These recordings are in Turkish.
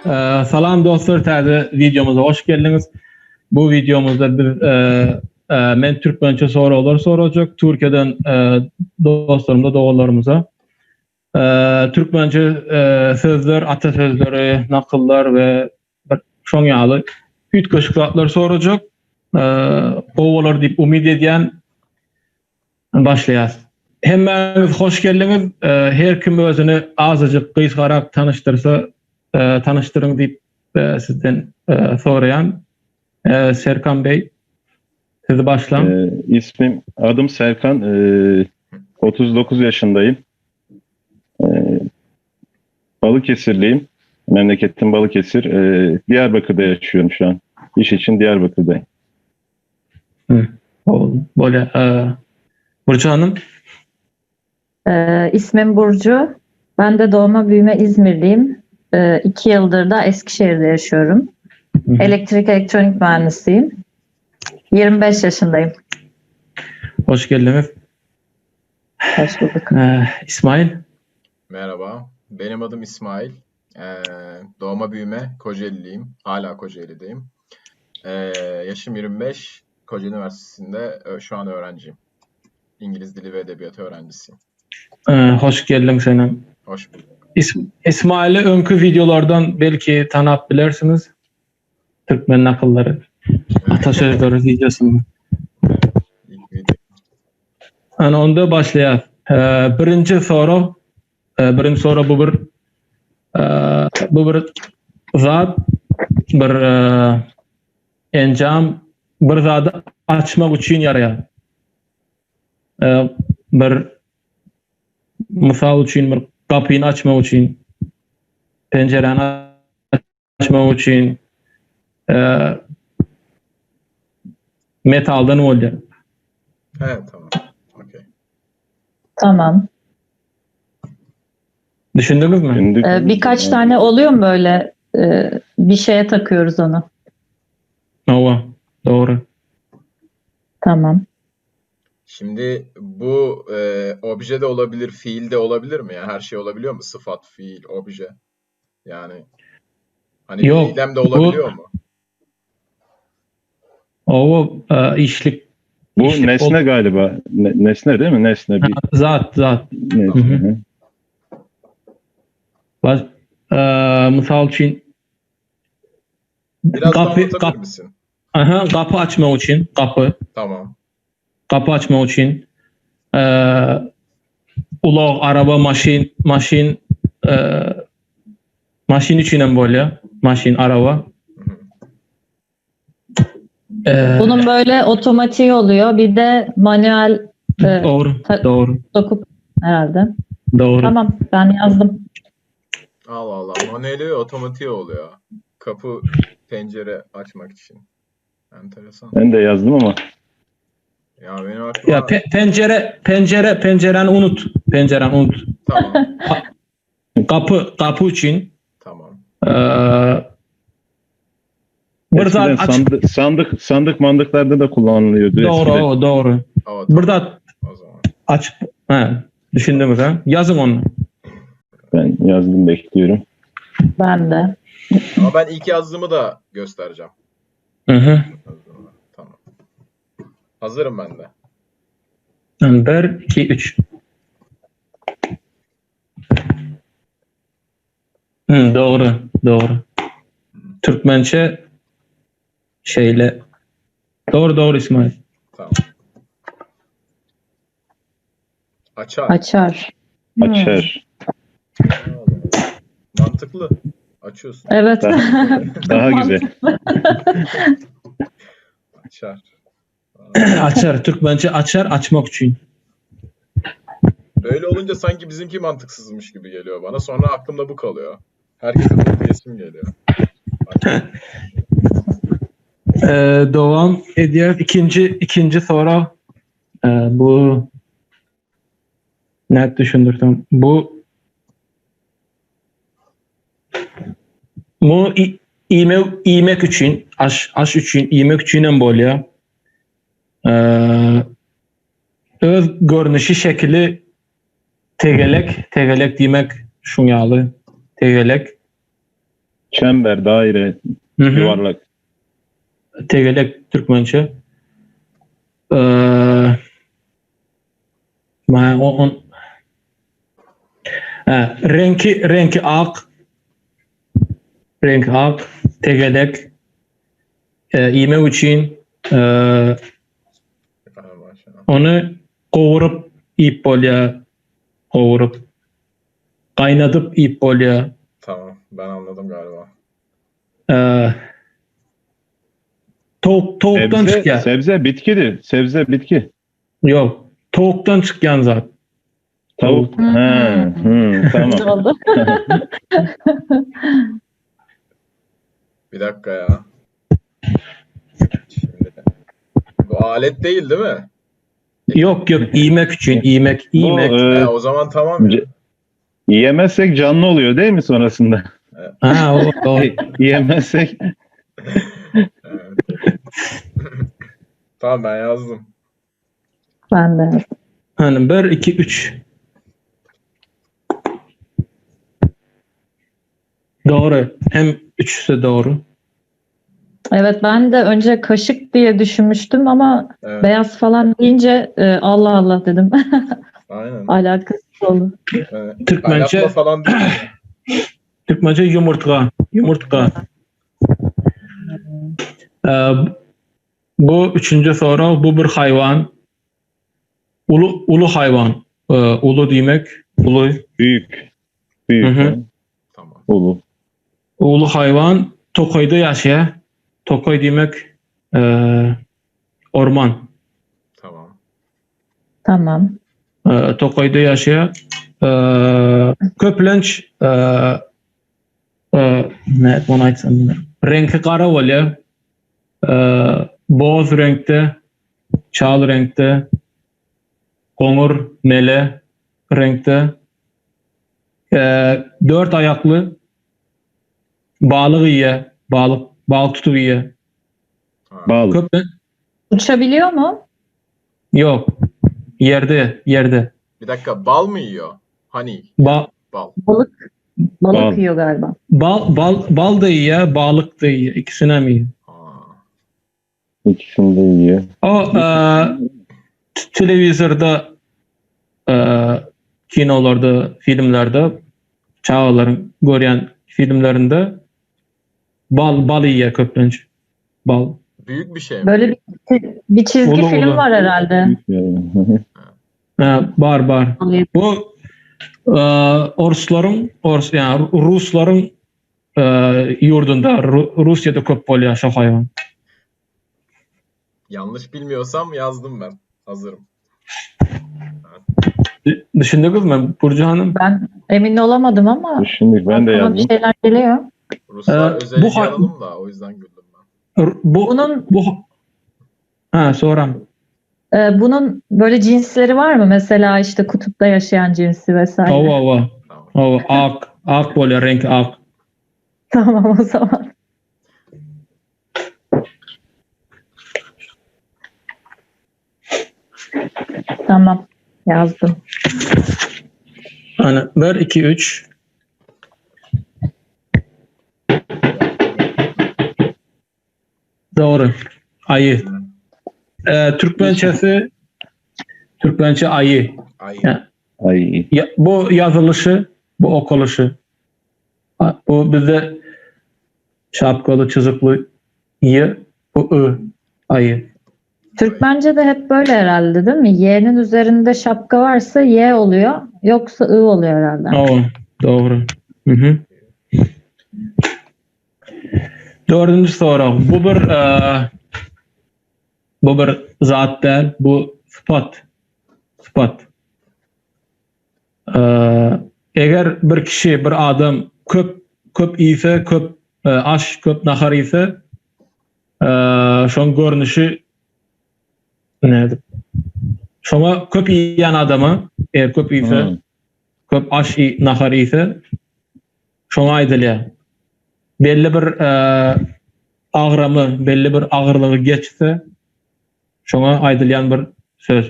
Salam dostlar, täze videomuza hoş geldiniz. Bu videomuzda men Türkmençe sorular soracak. Türkiye'den dostlarımıza, doğullarımıza. Türkmençe sözler, atasözleri, nakıllar ve şoň ýaly ütköşükler soracak. Owalar diýip umid edýän başlaýas. Hemmäňiz hoş geldiniz. Her kim özüni azyjyk gysgarak tanıştyrsa tanıştırın deyip sizden sorayan Serkan Bey, sizi başlam. Adım Serkan, 39 yaşındayım. Balıkesirliyim. Memleketim Balıkesir. Diyarbakır'da yaşıyorum şu an. İş için Diyarbakır'dayım. Böyle Burcu Hanım. İsmim Burcu. Ben de doğma büyüme İzmirliyim. 2 yıldır da Eskişehir'de yaşıyorum. Elektrik elektronik mühendisiyim. 25 yaşındayım. Hoş geldiniz. Hoş bulduk. İsmail. Merhaba. Benim adım İsmail. Doğma büyüme Kocaeliliyim. Hala Kocaeli'deyim. Yaşım 25. Kocaeli Üniversitesi'nde şu an öğrenciyim. İngiliz Dili ve Edebiyatı öğrencisiyim. Hoş geldin senin. Hoş bulduk. İsmail'i önkü videolardan belki tanıp bilirsiniz. Türkmen nakılları, atasözleri videosunu. Yani onda başlayalım. Birinci soru bu bir zat, bir encam, bir zatı açmak için yarayan. Bir misal için, bir kapıyı açmak için, pencereni açmak için metaldan oldu. Evet, tamam. Okay. Tamam. Düşündünüz mü? Birkaç tane oluyor mu böyle bir şeye takıyoruz onu? Ova, doğru. Tamam. Şimdi bu obje de olabilir, fiil de olabilir mi? Yani her şey olabiliyor mu? Sıfat, fiil, obje. Yani hani yok, eylem de olabiliyor mu? Ova işlik. Bu nesne galiba. Nesne değil mi? Nesne bir. Zat. Nesne. Misal için Biraz daha anlatabilir misin? Kapı açmak için, Tamam. Kapı açmak için ulaq, araba, maşin içinen böyle, maşin, araba. Bunun böyle otomatiği oluyor. Bir de manuel Doğru. dokup herhalde. Doğru. Tamam, ben yazdım. Allah Allah. Manueli ve otomatiği oluyor. Kapı, pencere açmak için. Enteresan. Ben de yazdım ama. Ya benim aklıma... Ya pencereni unut. Pencereni unut. Tamam. Kapı için. Tamam. Bir zat aç. Sandık mandıklarda da kullanılıyordu. Doğru. Tamam. Burada O zaman. aç. Düşündünüz ha? Yazın onu. Ben yazdım, bekliyorum. Ben de. Ama ben ilk yazdığımı da göstereceğim. Tamam. Hazırım ben de. 1, 2, 3. Doğru. Türkmençe şeyle. Doğru İsmail. Tamam. Açar. Açar. Mantıklı. Açıyorsun. Evet. Daha güzel. Açar. Açar. Türkmençe açar, açmak için. Böyle olunca sanki bizimki mantıksızmış gibi geliyor bana. Sonra aklımda bu kalıyor. Herkese bu diyesim geliyor. Devam ediyor. İkinci soru. Bu ne düşündürdüm? Bu iğmek için, aş için, iğmek için böyle öz görünüşü şekli tegelek demek şunyalı tegelek Çember, daire, Hı hı. yuvarlak. Tegelek Türkmençe. Renki ak. Renk ak. Tegelek. İymek için onu kovurup ip bolya. Kovurup. Kaynatıp ip bolya. Tamam. Ben anladım galiba. Tavuktan çıkıyor. Sebze bitkidir. Sebze bitki. Yok. Tavuktan çıkan zat. Tavuk. Tamam. Oldu. Bir dakika ya. Şimdi. Bu alet değil mi? Yok. İymek için. İymek. O zaman tamam ya. Yiyemezsek canlı oluyor değil mi sonrasında? O. Yiyemezsek Evet. Tamam ben yazdım. Ben de. Hani 1, 2, 3. Doğru. Hem üçüsü doğru. Evet, ben de önce kaşık diye düşünmüştüm ama Evet. beyaz falan deyince Allah Allah dedim. Aynen. Alakası oldu. Türkmençe- Kaynatma falan değil. Türkmençe yumurta. Yumurta. Bu üçüncü soru. Bu bir hayvan. Ulu hayvan. Ulu demek. Ulu. büyük. Büyük. Hı hı. Tamam. Ulu. Ulu hayvan Tokoy'da yaşıyor. Tokoy demek orman. Tamam. Tamam. Tokoy'da yaşıyor. Köplenç ne onu aytsam bilmiyorum. Rengi kara oluyor. Boz renkte, çal renkte, konur mele renkte. 4 ayaklı balık yiyor. Balık tutup yiyor. Ha. Bal. Köplen Uçabiliyor mu? yok. Yerde. Bir dakika bal mı yiyor? Honey. Bal Balık Bal. yiyor galiba. bal da yiyor, balık da yiyor. İkisine mi yiyor? Ha. İkisini de yiyor. O televizyonda kinolarda, filmlerde çağların görüyen filmlerinde bal yiyor köplenç. Bal. Büyük bir şey mi? Böyle bir çizgi Ulu film ulu. var herhalde. Yani. Var. Bu yani Rusların yurdunda Rusya'da köp oluyor şu hayvan. Yanlış bilmiyorsam yazdım ben. Hazırım. Düşündünüz mü Burcu Hanım? Ben emin olamadım ama Düşündük. Ben de aklıma bir yazdım. şeyler geliyor. Ruslar bu özelliği hay- alalım da o yüzden güldüm ben. Bunun böyle cinsleri var mı? Mesela işte kutupta yaşayan cinsi vesaire. Ova. Tamam. Ak böyle renk ak. Tamam o zaman. Tamam. Yazdım. Hani 1, 2, 3. Doğru. Ayı. Türkmençe ayı. Ay. Ya, Ay. bu yazılışı, bu okuluşu. Bu bizde şapkalı, çizikli y, bu ı, ayı. Türkmence'de hep böyle herhalde değil mi? Y'nin üzerinde şapka varsa Y oluyor. Yoksa I oluyor herhalde. Doğru. Hı. Dördüncü soru. Bu bir zat değil, bu sıfat. Eğer bir kişi, bir adam köp ise, köp aş, köp nahar ise şon görünüşü nedir? Şona köp yiyen adamı, eğer köp ise, köp aş nahar ise şona aydılıyor. Belli bir ağrımı, belli bir ağırlığı geçse şona aydılayan bir söz.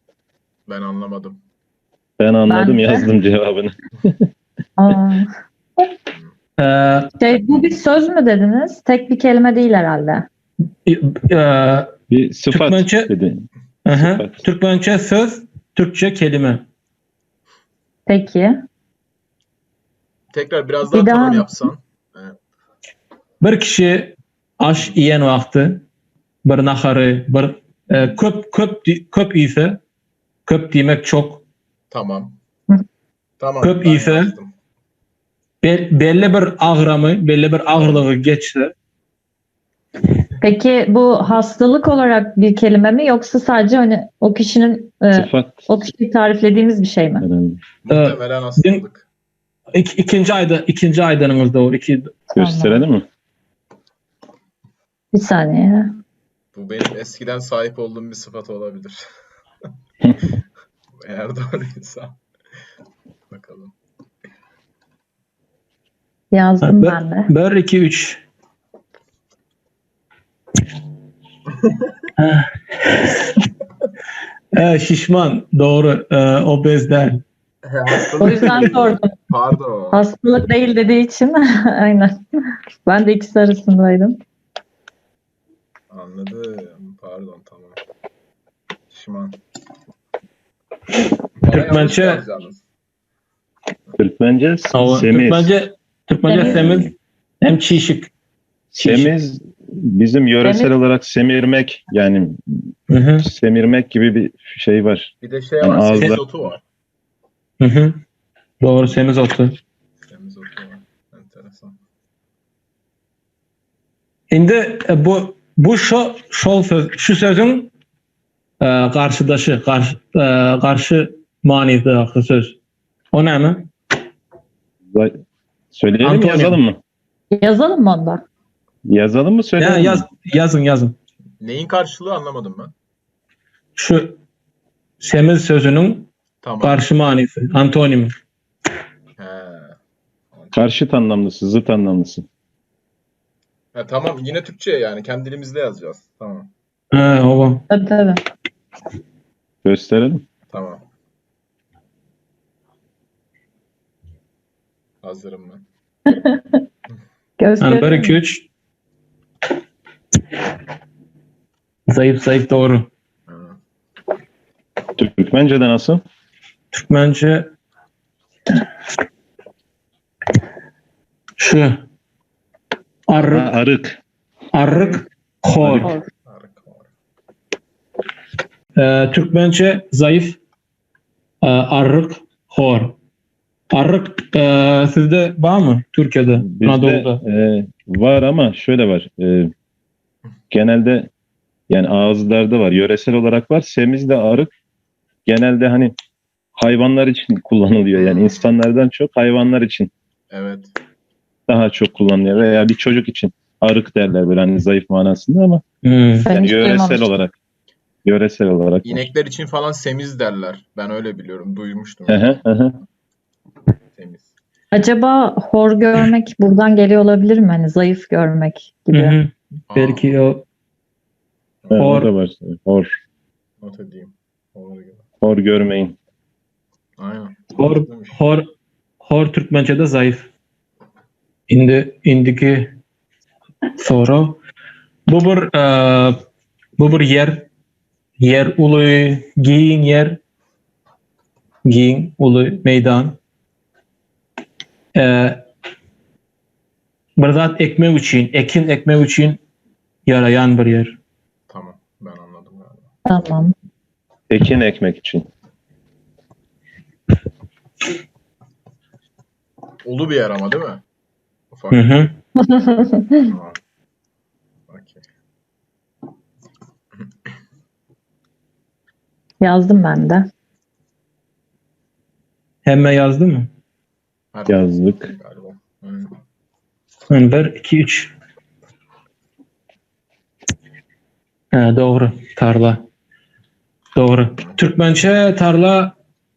Ben anlamadım. Ben anladım, Ben de. yazdım cevabını. Aa, Bu bir söz mü dediniz? Tek bir kelime değil herhalde. Bir sıfat Türkmence- dedi. Sıfat. Türkmence söz, Türkçe kelime. Peki. Tekrar biraz daha Bir daha- tanım yapsan. Bir kişi aş yiyen vakti, bir naharı, bir köp ise, köp demek çok, Tamam. Hı. Tamam. Köp ben ise- yazdım. belli bir ağrımı, belli bir ağırlığı geçse, Peki bu hastalık olarak bir kelime mi yoksa sadece hani o kişinin Sıfat. o kişiyi tariflediğimiz bir şey mi? herhalde. Muhtemelen hastalık. ikinci aydanınız doğru. Gösterelim mi? Bir saniye. Bu benim eskiden sahip olduğum bir sıfat olabilir. Eğer doğruysa. Bakalım. Yazdım ben de. 1, 2, 3. Şişman, doğru. Obezler. Hastalık O yüzden değil. sordum. Pardon. Hastalık değil dediği için aynen. Ben de ikisi arasındaydım. Anladım. Pardon, tamam. Şişman. Türkmence- Türkmence semiz. Türkmence semiz hem çişik. Semiz bizim yöresel Semiz. olarak semirmek, yani Hı hı. semirmek gibi bir şey var. Bir de şey Yani var. ağızda- Semizotu var. Hı hı. Doğru, semiz otu. Semizotu var. Enteresan. Şimdi şu sözün karşıdaşı, karşı manidagi söz. O ne mi? Söyleyelim mi, Antonim. yazalım mı? Yazalım mı onda? Yazalım mı, söyleyelim mi? Yazın. Neyin karşılığı anlamadım ben. Şu semiz sözünün Tamam. karşı manisi, antonimi. He. Karşıt anlamlısı, zıt anlamlısı. Ha, tamam. Yine Türkçe yani. Kendi dilimizde yazacağız. Tamam. Ova. Tabii. Gösterelim. Tamam. Hazırım ben. Yani 1, 2, Gösterelim. 3. Zayıf doğru. Ha. Türkmence'de nasıl? Türkmence şu Arık. arık, hor. Hor. Harika var. Türkmence zayıf, arık, hor. Arık sizde var mı Türkiye'de? Bizde Anadolu'da. var ama şöyle var. Genelde yani ağızlarda var. Yöresel olarak var. Semiz de arık. Genelde hani hayvanlar için kullanılıyor. Yani insanlardan çok hayvanlar için Evet. daha çok kullanılıyor. Veya bir çocuk için arık derler böyle hani zayıf manasında ama Hmm. Ben yani hiç duymamıştım. yöresel olarak. İnekler için falan semiz derler. Ben öyle biliyorum. Duymuştum. Hı hı, hı hı. Semiz. Acaba hor görmek buradan geliyor olabilir mi? Hani zayıf görmek gibi. Hı hı. Aa, Belki o Ha, Hor. o da var. Hor. not edeyim. Olur gibi. Hor görmeyin. Aynen. hor, Mantıklıymış. hor Türkmence'de zayıf. İndiki soru. Bu bir yer ulu, giyin ulu meydan. Bir zat ekmek için, ekin ekmek için yarayan bir yer. Tamam. Ben anladım galiba. Tamam. Ekin ekmek için. Ulu bir yer ama değil mi? Ufak. Hı hı. Tamam. Okey. Yazdım ben de. Hemen yazdı mı? Yazdık. Galiba. Aynen. Yani 1, 2, 3. Doğru. Tarla. Doğru. Türkmence tarla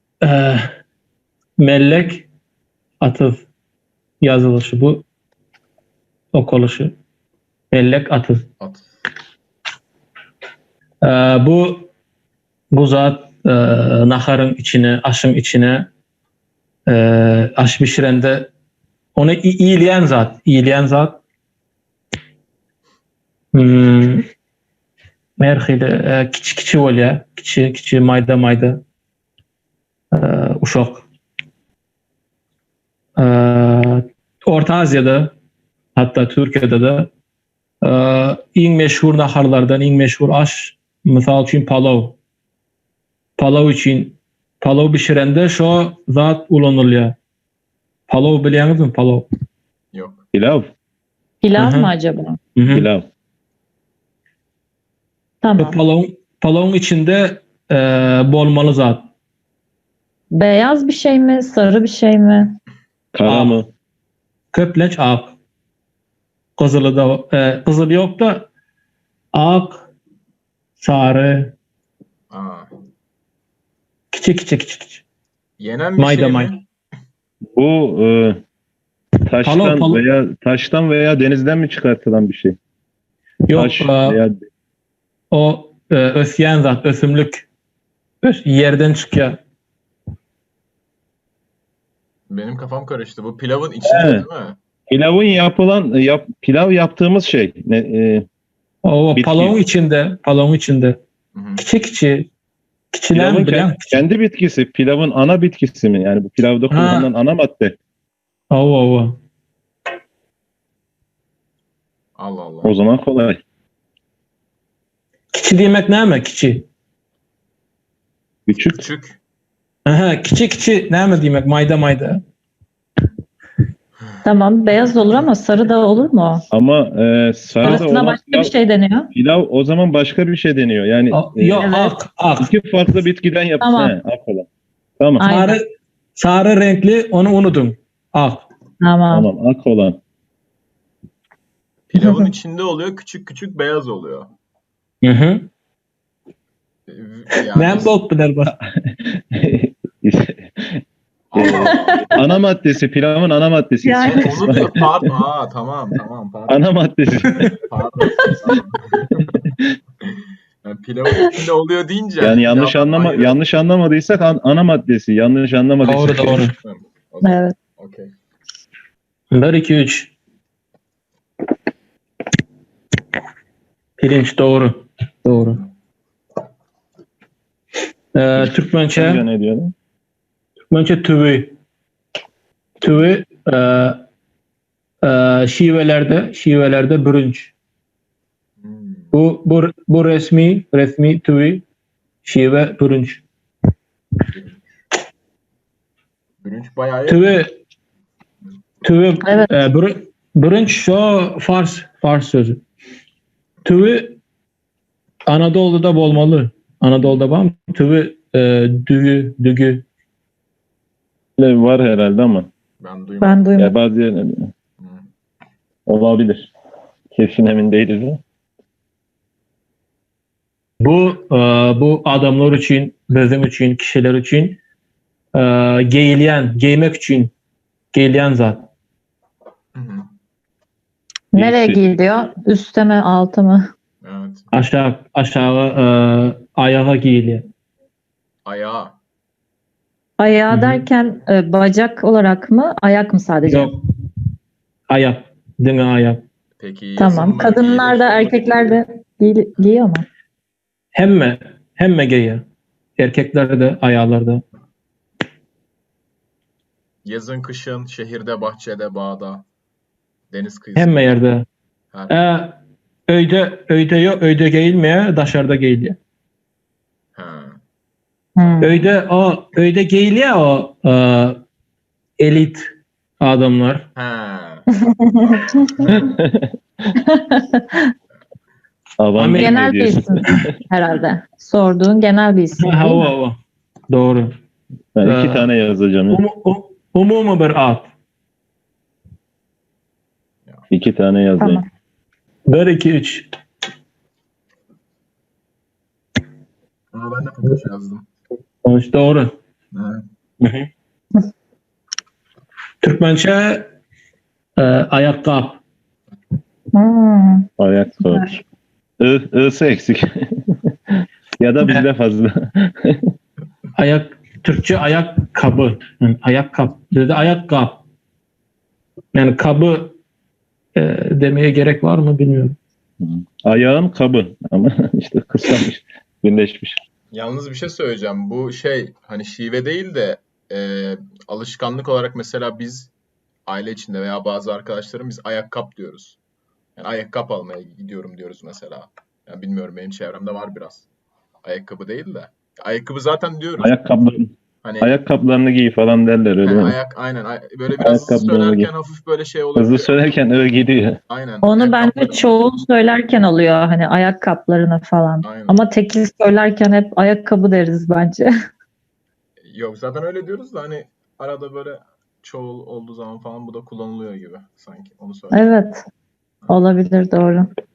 mellek atıf yazılışı bu. Okuluşu. Mellek atıf. At. Bu zat naharın içine, aşın içine aş pişirende Onu iyileyen zat. İyileyen zat. Merhile kiçi olya. Kiçi mayda. Uşak. Orta Asya'da, hatta Türkiye'de de en meşhur naharlardan, en meşhur aş, misal için palav. Palav pişirende şu zat kullanılıyor. Palav biliyorsunuz mu? Palav. Yok. Pilav. Pilav Hı hı. mı acaba? Pilav. Tamam. Palavın içinde bolmalı zat. Beyaz bir şey mi? Sarı bir şey mi? Kara mı? Köplenç ak. Kızılı yok da ak, sarı, Aa. küçük. Yenen bir Mayda şey mayda. mi? Bu taştan Palav. veya denizden mi çıkartılan bir şey? Yok, Taş veya o ösyen zat, ösümlük. Yerden çıkıyor. Benim kafam karıştı. Bu pilavın içinde Evet. değil mi? pilav yaptığımız şey. O Bitki. palavın içinde. Hı hı. Küçülen Pilavın bilen. kendi bitkisi, pilavın ana bitkisi mi? Yani bu pilavda kullanılan ana madde. O. Allah Allah. O zaman kolay. Kiçi demek ne mi? Kiçi. Küçük. Küçük. Aha, kiçi ne mi demek? Mayda. Tamam. Beyaz olur ama sarı da olur mu? Ama sarı da Arasına olan başka bir şey deniyor. pilav o zaman başka bir şey deniyor. Yani Yok, Evet. ak. iki farklı bitkiden yapılır. Tamam. Ak olan. Tamam. Aynen. Sarı renkli, onu unutun. Ak. Tamam. Tamam. Ak olan. Pilavın içinde oluyor. Küçük beyaz oluyor. Hı. Yani Ne bok bilir bak. Ana maddesi, pilavın ana maddesi. Yani. onu diyor. Pardon. Tamam. Pardon. Ana maddesi. Pardon. Yani pilavın içinde oluyor deyince. Yani yanlış anlamadıysak ana maddesi. Yanlış anlamadıysak. Doğru. Evet. Okey. 1, 2, 3. Pirinç doğru. Türkmençe Ne diyorlar? tüvü. Şivelerde bürünç. Hmm. Bu resmi tüvü, şive bürünç. Bürünç bayağı Tüvü Evet. bürünç şu Fars sözü. Tüvü Anadolu'da olmalı. Anadolu'da var mı? Tüvü dügü. Var herhalde ama. ben duymadım. Ben duymadım. Ya bazı yerlerde olabilir. Kesin emin değiliz ama. Bu adamlar için, bizim için, kişiler için giymek için giyilen zat. Hı hı. Nereye giyiliyor? Üste mi, alta mı? Evet. Aşağı ayağa giyiliyor. Ayağı. Ayağı Hı hı. derken bacak olarak mı, ayak mı sadece? Yok. Ayak. Dine ayak. Peki yazın Tamam. mı, Kadınlar da giyilir? erkekler de giyiyor mu? Hemme giyiyor. Erkekler de ayağlarda. Yazın, kışın, şehirde, bahçede, bağda, deniz kıyısında. Hemme yerde. Her- Öyde yok. Öyde giyilmeye, dışarıda giyiliyor. Ha. Öyde giyiliyor o elit adamlar. Ha. Avan Bey Genel ne bir diyorsun? isim herhalde. Sorduğun genel bir isim değil mi? O. Doğru. Ben 2 tane yazacağım. Ya. Umumi bir ad. 2 tane yazayım. Tamam. 1, 2, 3. Ben de Fatoş yazdım. Sonuç doğru. Evet. Türkmençe ayakkabı. Ayakkabı. I'sı eksik. Ya da bizde fazla. Türkçe ayakkabı. Yani ayakkabı. Dedi ayakkabı. Yani kabı demeye gerek var mı bilmiyorum. Ayağın kabı ama işte kısalmış, birleşmiş. Yalnız bir şey söyleyeceğim. Bu şey hani şive değil de alışkanlık olarak mesela biz aile içinde veya bazı arkadaşlarım biz ayakkabı diyoruz. Yani ayakkabı almaya gidiyorum diyoruz mesela. Yani bilmiyorum benim çevremde var biraz. Ayakkabı değil de. Ayakkabı zaten diyoruz. Hani Ayakkabılarını giy falan derler öyle mi? aynen böyle biraz hızlı Ayakkabılarını giy. söylerken hafif böyle şey Hızlı olabiliyor. söylerken öyle gidiyor. Aynen. Onu bence ayakkabılarım. çoğul söylerken oluyor hani ayakkabılarına falan. Aynen. Ama tekil söylerken hep ayakkabı deriz bence. Yok zaten öyle diyoruz da hani arada böyle çoğul olduğu zaman falan bu da kullanılıyor gibi sanki. Onu söyleyeyim. Evet, olabilir doğru.